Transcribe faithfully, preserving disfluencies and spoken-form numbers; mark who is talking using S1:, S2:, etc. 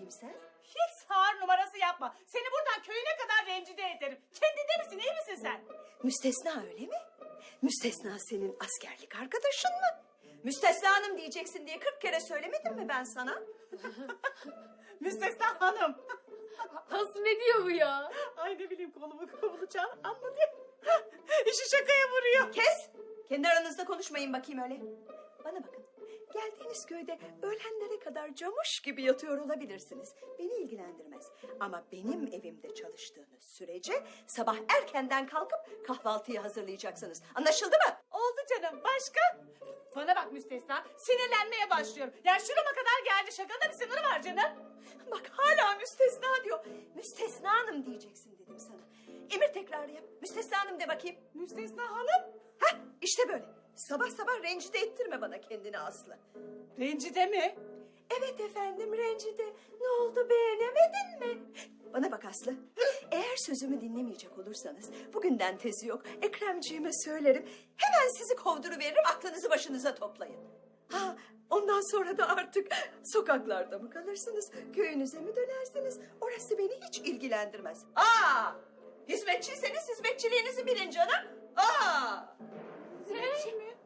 S1: sen?
S2: Hiç sağır numarası yapma. Seni buradan köyüne kadar rencide ederim. Kendinde misin, iyi misin sen?
S1: Müstesna öyle mi? Müstesna senin askerlik arkadaşın mı? Müstesna hanım diyeceksin diye kırk kere söylemedim mi ben sana?
S2: Müstesna hanım.
S3: Aslı ne diyor bu ya?
S2: Ay ne bileyim kolumu kovulacağım anladı. İşi şakaya vuruyor.
S1: Kes! Kendi aranızda konuşmayın bakayım öyle. Bana bakın. Geldiğiniz köyde öğlenlere kadar camuş gibi yatıyor olabilirsiniz. Beni ilgilendirmez. Ama benim evimde çalıştığınız sürece sabah erkenden kalkıp kahvaltıyı hazırlayacaksınız. Anlaşıldı mı?
S2: Oldu canım. Başka? Bana bak Müstesna. Sinirlenmeye başlıyorum. Ya şurama kadar geldi. Şakada bir sınırı var canım.
S1: Bak hala müstesna diyor. Müstesna hanım diyeceksin dedim sana. Emir tekrarı yap. Müstesna hanım de bakayım.
S2: Müstesna hanım.
S1: Hah işte böyle. Sabah sabah rencide ettirme bana kendini Aslı.
S2: Rencide mi?
S1: Evet efendim rencide. Ne oldu beğenemedin mi? Bana bak Aslı. Eğer sözümü dinlemeyecek olursanız bugünden tezi yok. Ekremciğime söylerim. Hemen sizi kovduruveririm, aklınızı başınıza toplayın. Ha, ondan sonra da artık sokaklarda mı kalırsınız? Köyünüze mi dönersiniz? Orası beni hiç ilgilendirmez. Aa! Hizmetçiyseniz hizmetçiliğinizi bilin canım. Aa!
S2: Hizmetçi mi?